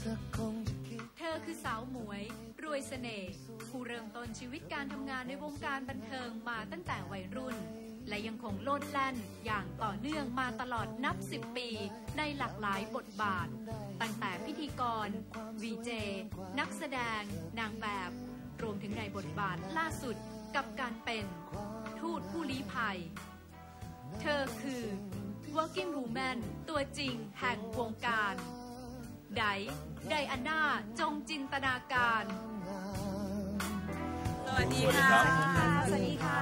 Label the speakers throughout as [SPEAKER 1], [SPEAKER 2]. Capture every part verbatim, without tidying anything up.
[SPEAKER 1] เธอคือสาวหมวยรวยเสน่ห์ผู้เริ่มต้นชีวิตการทำงานในวงการบันเทิงมาตั้งแต่วัยรุ่นและยังคงโลดแล่นอย่างต่อเนื่องมาตลอดนับสิบปีในหลากหลายบทบาทตั้งแต่พิธีกร วี เจ นักแสดงนางแบบรวมถึงในบทบาทล่าสุดกับการเป็นทูตผู้ลี้ภัยเธอคือ working woman ตัวจริงแห่งวงการไดไดอาน่าจงจินตนาการ
[SPEAKER 2] สวัสดีค่ะสวัสดีค่ะ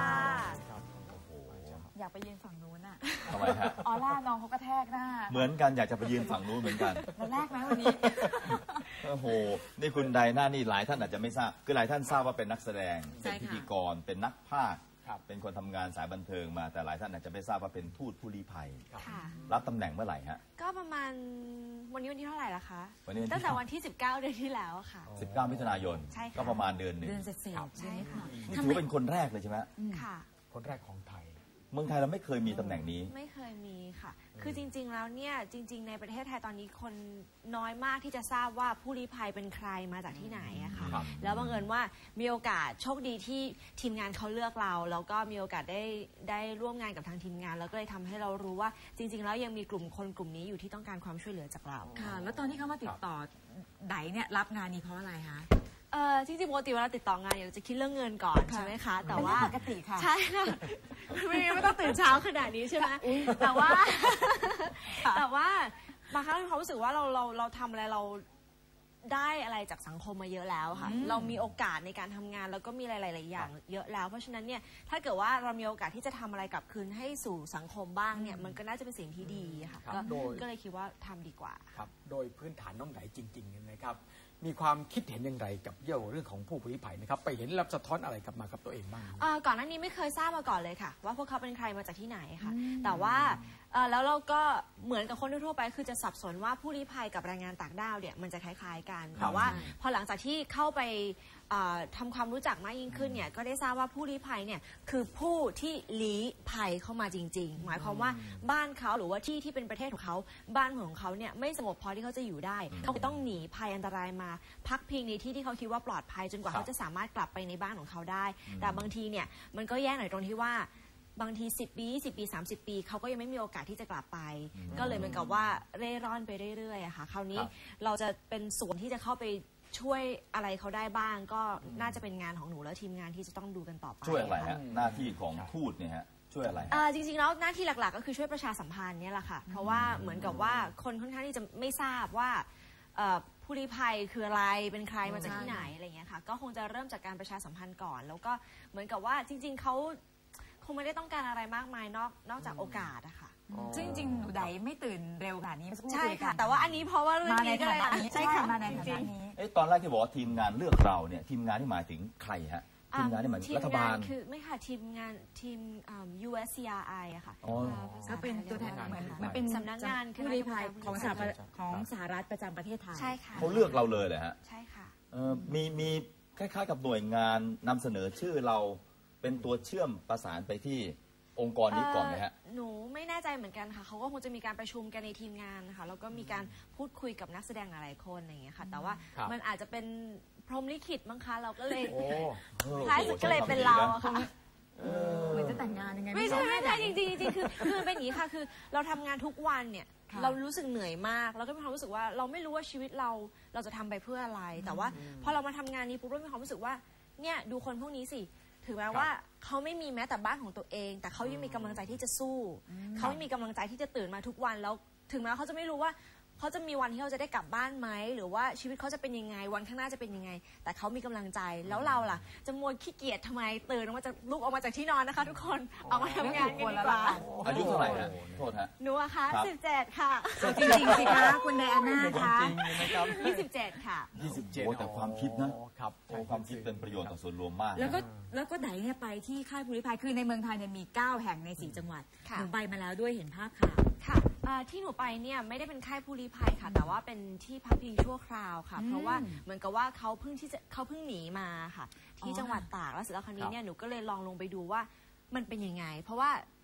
[SPEAKER 3] อยากไปยืนฝั่งนู้นอ่ะ
[SPEAKER 4] ทำไมฮะ
[SPEAKER 3] ออร่าน้องเขากระแทกหน้า
[SPEAKER 4] เหมือนกันอยากจะไปยืนฝั่งนู้นเหมือนกัน
[SPEAKER 3] แล้วแรกไหมวันนี้
[SPEAKER 4] โอ้โหนี่คุณไดน่านี่หลายท่านอาจจะไม่ทราบคือหลายท่านทราบว่าเป็นนักแสดงเป็นพิธีกรเป็นนักพากย์เป็นคนทำงานสายบันเทิงมาแต่หลายท่านอาจจะไม่ทราบว่าเป็นทูตผู้ลี้ภัยรับตำแหน่งเมื่อไหร่ฮะ
[SPEAKER 2] ก็ประมาณวันนี้วันที่เท่าไหร่ล่ะคะตั้งแต่วันที่สิบเก้าเดือนที่แล้วค่ะ
[SPEAKER 4] สิบเก้ามิถุนายนก็ประมาณเดือนหนึ่ง
[SPEAKER 3] เดือนเศษ
[SPEAKER 2] ใช่ค่ะ
[SPEAKER 4] นี่ถือเป็นคนแรกเลยใช่ไหม
[SPEAKER 2] ค่ะ
[SPEAKER 5] คนแรกของไทย
[SPEAKER 4] เมืองไทยเราไม่เคยมีตำแหน่งนี้
[SPEAKER 2] ไม่เคยมีค่ะคือจริงๆแล้วเนี่ยจริงๆในประเทศไทยตอนนี้คนน้อยมากที่จะทราบว่าผู้ลี้ภัยเป็นใครมาจากที่ไหนอะค่ะแล้วบังเอิญว่ามีโอกาสโชคดีที่ทีมงานเขาเลือกเราแล้วก็มีโอกาสได้ได้ร่วมงานกับทางทีมงานแล้วก็เลยทำให้เรารู้ว่าจริงๆแล้วยังมีกลุ่มคนกลุ่มนี้อยู่ที่ต้องการความช่วยเหลือจากเรา
[SPEAKER 3] ค่ะแล้วตอนที่เขามาติดต่อไดเนี่ยรับงานนี้เพราะอะไรคะ
[SPEAKER 2] เออจริงๆปกติเวลาติดต่องานอยากจะคิดเรื่องเงินก่อนใช่ไหมคะแต่ว่า
[SPEAKER 3] ปกติค่ะ
[SPEAKER 2] ใช่ค่ะไม่ไม่ต้องตื่นเช้าขนาดนี้ใช่ไหมแต่ว่าแต่ว่าบางครั้งเรารู้สึกว่าเราเราเราทำอะไรเราได้อะไรจากสังคมมาเยอะแล้วค่ะเรามีโอกาสในการทำงานแล้วก็มีหลายๆอย่างเยอะแล้วเพราะฉะนั้นเนี่ยถ้าเกิดว่าเรามีโอกาสที่จะทำอะไรกลับคืนให้สู่สังคมบ้างเนี่ยมันก็น่าจะเป็นสิ่งที่ดีค่ะก็เลยคิดว่าทำดีกว่า
[SPEAKER 5] ครับโดยพื้นฐานน้องไหนจริงๆนะครับมีความคิดเห็นอย่างไรกับเกี่ยวกับเรื่องของผู้ลี้ภัยนะครับไปเห็นรับสะท้อนอะไรกลับมากับตัวเองบ้าง
[SPEAKER 2] ก่อนหน้านี้ไม่เคยทราบมาก่อนเลยค่ะว่าพวกเขาเป็นใครมาจากที่ไหนค่ะแต่ว่าแล้วเราก็เหมือนกับคนทั่วไปคือจะสับสนว่าผู้ลี้ภัยกับแรงงานต่างด้าวเนี่ยมันจะคล้ายๆกันแต่ว่าพอหลังจากที่เข้าไปทำความรู้จักมากยิ่งขึ้นเนี่ยก็ได้ทราบว่าผู้ลี้ภัยเนี่ยคือผู้ที่ลี้ภัยเข้ามาจริงๆหมายความว่าบ้านเขาหรือว่าที่ที่เป็นประเทศของเขาบ้านของเขาเนี่ยไม่สงบพอที่เขาจะอยู่ได้เขาต้องหนีภัยอันตรายมาพักพิงในที่ที่เขาคิดว่าปลอดภัยจนกว่าเขาจะสามารถกลับไปในบ้านของเขาได้แต่บางทีเนี่ยมันก็แย่หน่อยตรงที่ว่าบางทีสิบปียี่สิบปีสามสิบปีเขาก็ยังไม่มีโอกาสที่จะกลับไปก็เลยเหมือนกับว่าเร่ร่อนไปเรื่อยๆอะค่ะคราวนี้เราจะเป็นส่วนที่จะเข้าไปช่วยอะไรเขาได้บ้างก็น่าจะเป็นงานของหนูและทีมงานที่จะต้องดูกันต่อไป
[SPEAKER 4] ช่วยอะไรฮะหน้าที่ของทูตเนี่ยฮะช่วยอะไร
[SPEAKER 2] จริงๆแล้วหน้าที่หลักๆก็คือช่วยประชาสัมพันธ์เนี่ยแหละค่ะเพราะว่าเหมือนกับว่าคนค่อนข้างที่จะไม่ทราบว่าผู้ลี้ภัยคืออะไรเป็นใครมาจากที่ไหนอะไรเงี้ยค่ะก็คงจะเริ่มจากการประชาสัมพันธ์ก่อนแล้วก็เหมือนกับว่าจริงๆเขาคงไม่ได้ต้องการอะไรมากมายนอกนอกจากโอกาสอะค่ะ
[SPEAKER 3] ซึ่งจริงๆหนูไดไม่ตื่นเร็วขนาดนี้
[SPEAKER 2] ใช่ค่ะแต่ว่าอันนี้เพราะว่าเรื่องนี้ก็เลย
[SPEAKER 3] ใช่ค่ะมาในฐานะนี้
[SPEAKER 4] ตอนแรกที่บอกว่าทีมงานเลือกเราเนี่ยทีมงานที่หมายถึงใครฮะทีมงานที่หมายถึงรัฐบาล
[SPEAKER 2] คือไม่ค่ะทีมงานทีม ยู เอส ซี อาร์ ไอ อะค่ะ
[SPEAKER 3] ก็เป็นตัวแทนเหมือนมัน
[SPEAKER 2] เป็นสำนักงาน
[SPEAKER 3] ผู้ลี้ภัยของสหของสหรัฐประจำประเทศไทย
[SPEAKER 2] ใช่ค่ะ
[SPEAKER 4] เขาเลือกเราเลยเลยฮะ
[SPEAKER 2] ใช่ค่ะ
[SPEAKER 4] มีมีคล้ายๆกับหน่วยงานนำเสนอชื่อเราเป็นตัวเชื่อมประสานไปที่องค์กรนี้ก่อนไหมฮะ
[SPEAKER 2] หนูไม่แน่ใจเหมือนกันค่ะเขาก็คงจะมีการประชุมกันในทีมงานค่ะแล้วก็มีการพูดคุยกับนักแสดงหลายๆคนอย่างเงี้ยค่ะแต่ว่ามันอาจจะเป็นพรหมลิขิตมั้งคะเราก็เลยท้ายสุดก็เลยเป็นเราค่ะ
[SPEAKER 3] เหมือนจะแต่งงานยังไง
[SPEAKER 2] ไม่ใช่ไม่ใช่จริงจริงคือคือเป็นอย่างนี้ค่ะคือเราทำงานทุกวันเนี่ยเรารู้สึกเหนื่อยมากแล้วก็มีความรู้สึกว่าเราไม่รู้ว่าชีวิตเราเราจะทำไปเพื่ออะไรแต่ว่าพอเรามาทำงานนี้ปุ๊บเรามีความรู้สึกว่าเนี่ยดูคนพวกนี้สิถือแม้ว่าเขาไม่มีแม้แต่บ้านของตัวเองแต่เขายังมีกำลังใจที่จะสู้เขาไม่มีกำลังใจที่จะตื่นมาทุกวันแล้วถึงแม้เขาจะไม่รู้ว่าเขาจะมีวันที่เขาจะได้กลับบ้านไหมหรือว่าชีวิตเขาจะเป็นยังไงวันข้างหน้าจะเป็นยังไงแต่เขามีกำลังใจแล้วเราล่ะจะมัวขี้เกียจทำไมตื่นออกมาจากลุกออกมาจากที่นอนนะคะทุกคนออกมาทำงานกันดีกว่า
[SPEAKER 4] อายุเท่าไหร่ฮะโทษฮะ
[SPEAKER 2] หนูอะคะสิบเจ็ดค่ะ
[SPEAKER 3] จริงๆสิคะคุณไดอาน่าคะ
[SPEAKER 2] ยี่สิบเจ็ดค่ะ
[SPEAKER 4] ยี่สิบเจ็ดแต่ความคิดนะครับความคิดเป็นประโยชน์ต่อส่วนรวมมาก
[SPEAKER 3] แล้วก็แล้วก็ไดเนี่ยไปที่ค่ายผู้ลี้ภัยคือในเมืองไทยเนี่ยมีเก้าแห่งในสี่จังหวัดหนูไปมาแล้วด้วยเห็นภาพค่ะ
[SPEAKER 2] ค่ะที่หนูไปเนี่ยไม่ได้เป็นค่ายผู้ลี้ภัยค่ะแต่ว่าเป็นที่พักพิงชั่วคราวค่ะเพราะว่าเหมือนกับว่าเขาเพิ่งที่จะเขาเพิ่งหนีมาค่ะที่จังหวัดตากแล้วเสร็จแล้วคราวนี้เนี่ยหนูก็เลยลองลงไปดูว่ามันเป็นยังไงเพราะว่า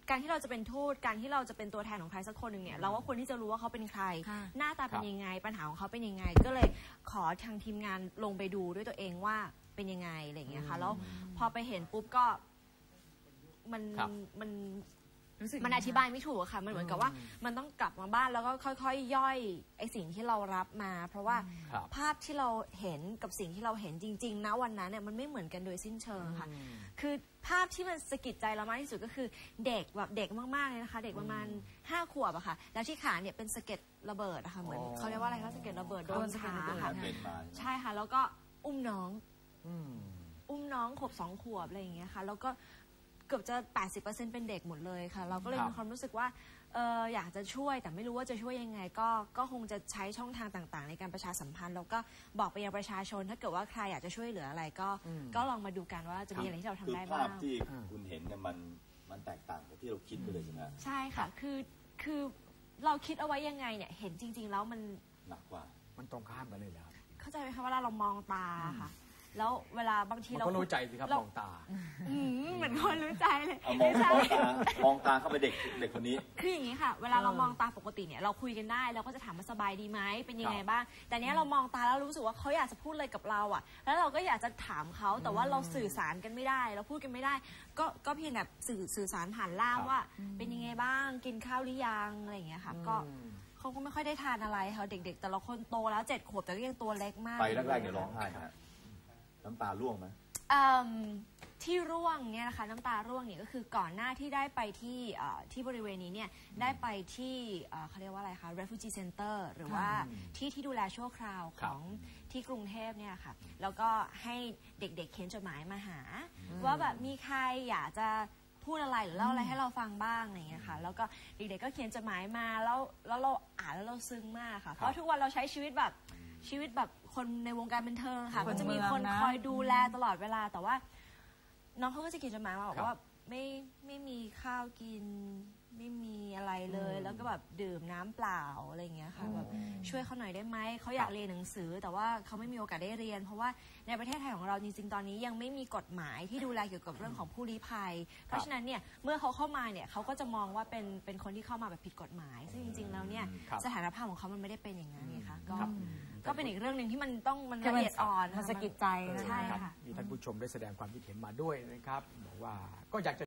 [SPEAKER 2] การที่เราจะเป็นทูตการที่เราจะเป็นตัวแทนของใครสักคนหนึ่งเนี่ยเราก็ควรที่จะรู้ว่าเขาเป็นใคร หน้าตาเป็นยังไงปัญหาของเขาเป็นยังไงก็เลยขอทางทีมงานลงไปดูด้วยตัวเองว่าเป็นยังไงอะไรอย่างเงี้ยค่ะแล้วพอไปเห็นปุ๊บก็มันมันมันอธิบายไม่ถูกค่ะมันเหมือนกับว่ามันต้องกลับมาบ้านแล้วก็ค่อยๆย่อยไอ้สิ่งที่เรารับมา เพราะว่าภาพที่เราเห็นกับสิ่งที่เราเห็นจริงๆนะวันนั้นเนี่ยมันไม่เหมือนกันโดยสิ้นเชิงค่ะคือภาพที่มันสะกิดใจเรามากที่สุดก็คือเด็กแบบเด็กมากๆเลยนะคะเด็กประมาณห้าขวบอะค่ะแล้วที่ขาเนี่ยเป็นสะเก็ดระเบิดอะค่ะเหมือนเขาเรียกว่าอะไรคะสะเก็ดระเบิดโดนขาค่ะใช่ค่ะแล้วก็อุ้มน้องอุ้มน้องขวบสองขวบอะไรอย่างเงี้ยค่ะแล้วก็เกือบจะ แปดสิบเปอร์เซ็นต์ เป็นเด็กหมดเลยค่ะเราก็เลยมีความรู้สึกว่าเอออยากจะช่วยแต่ไม่รู้ว่าจะช่วยยังไงก็ก็คงจะใช้ช่องทางต่างๆในการประชาสัมพันธ์แล้วก็บอกไปยังประชาชนถ้าเกิดว่าใครอยากจะช่วยเหลืออะไรก็ก็ลองมาดูกันว่าจะมีอะไรที่เราทำได้บ้าง
[SPEAKER 4] ภาพที่คุณเห็นเนี่ยมันมันแตกต่างจากที่เราคิดไปเลยใช่ไหม
[SPEAKER 2] ใช่ค่ะคือคือเราคิดเอาไว้ยังไงเนี่ยเห็นจริงๆแล้วมัน
[SPEAKER 4] หนักกว่า
[SPEAKER 5] มันตรงข้ามกันเลยแล้ว
[SPEAKER 2] เข้าใจไหมคะเวลาเรามองตาค่ะแล้วเวลาบางทีเรา
[SPEAKER 5] ก็รู้ใจสิครับมองตา
[SPEAKER 2] เหมือนคนรู้ใจเลย
[SPEAKER 4] มองตามองตาเข้าไปเด็กเด็กคนนี้
[SPEAKER 2] คืออย่างนี้ค่ะเวลาเรามองตาปกติเนี่ยเราคุยกันได้เราก็จะถามว่าสบายดีไหมเป็นยังไงบ้างแต่เนี้ยเรามองตาแล้วรู้สึกว่าเขาอยากจะพูดอะไรกับเราอ่ะแล้วเราก็อยากจะถามเขาแต่ว่าเราสื่อสารกันไม่ได้เราพูดกันไม่ได้ก็ก็เพียงแบบสื่อสื่อสารผ่านล่ามว่าเป็นยังไงบ้างกินข้าวหรือยังอะไรอย่างเงี้ยค่ะก็เขาก็ไม่ค่อยได้ทานอะไรค่ะเด็กๆแต่ละคนโตแล้วเจ็ดขวบแต่ก็ยังตัวเล็กมาก
[SPEAKER 4] ไปแรกๆเนี่ยร้องไห้ฮะน้ำตาร่วงไหม
[SPEAKER 2] ที่ร่วงเนี่ยนะคะน้ำตาร่วงเนี่ยก็คือก่อนหน้าที่ได้ไปที่ที่บริเวณนี้เนี่ยได้ไปที่เขาเรียกว่าอะไรคะ refugee center หรือว่าที่ที่ดูแลชั่วคราวของที่กรุงเทพเนี่ยค่ะแล้วก็ให้เด็กๆเขียนจดหมายมาหาว่าแบบมีใครอยากจะพูดอะไรหรือเล่าอะไรให้เราฟังบ้างอะไรอย่างเงี้ยค่ะแล้วก็เด็กๆก็เขียนจดหมายมาแล้วแล้วเราอ่านแล้วเราซึ้งมากค่ะเพราะทุกวันเราใช้ชีวิตแบบชีวิตแบบคนในวงการบันเทิงค่ะก็จะมีคนคอยดูแลตลอดเวลาแต่ว่าน้องเขาก็จะเขียนจดหมายมาบอกว่าไม่ไม่มีข้าวกินไม่มีอะไรเลยแล้วก็แบบดื่มน้ำเปล่าอะไรอย่างเงี้ยค่ะแบบช่วยเขาหน่อยได้ไหมเขาอยากเรียนหนังสือแต่ว่าเขาไม่มีโอกาสได้เรียนเพราะว่าในประเทศไทยของเราจริงๆตอนนี้ยังไม่มีกฎหมายที่ดูแลเกี่ยวกับเรื่องของผู้ลี้ภัยเพราะฉะนั้นเนี่ยเมื่อเขาเข้ามาเนี่ยเขาก็จะมองว่าเป็นเป็นคนที่เข้ามาแบบผิดกฎหมายซึ่งจริงๆแล้วเนี่ยสถานภาพของเขามันไม่ได้เป็นอย่างนั้นไงคะก็ก็เป็นอีกเรื่องหนึ่งที่มันต้องมันละเอียดอ่อน
[SPEAKER 3] มันสะกิดใจ
[SPEAKER 2] ใช่ค่ะ
[SPEAKER 5] มีท่านผู้ชมได้แสดงความคิดเห็นมาด้วยนะครับบอกว่าก็อยากจะ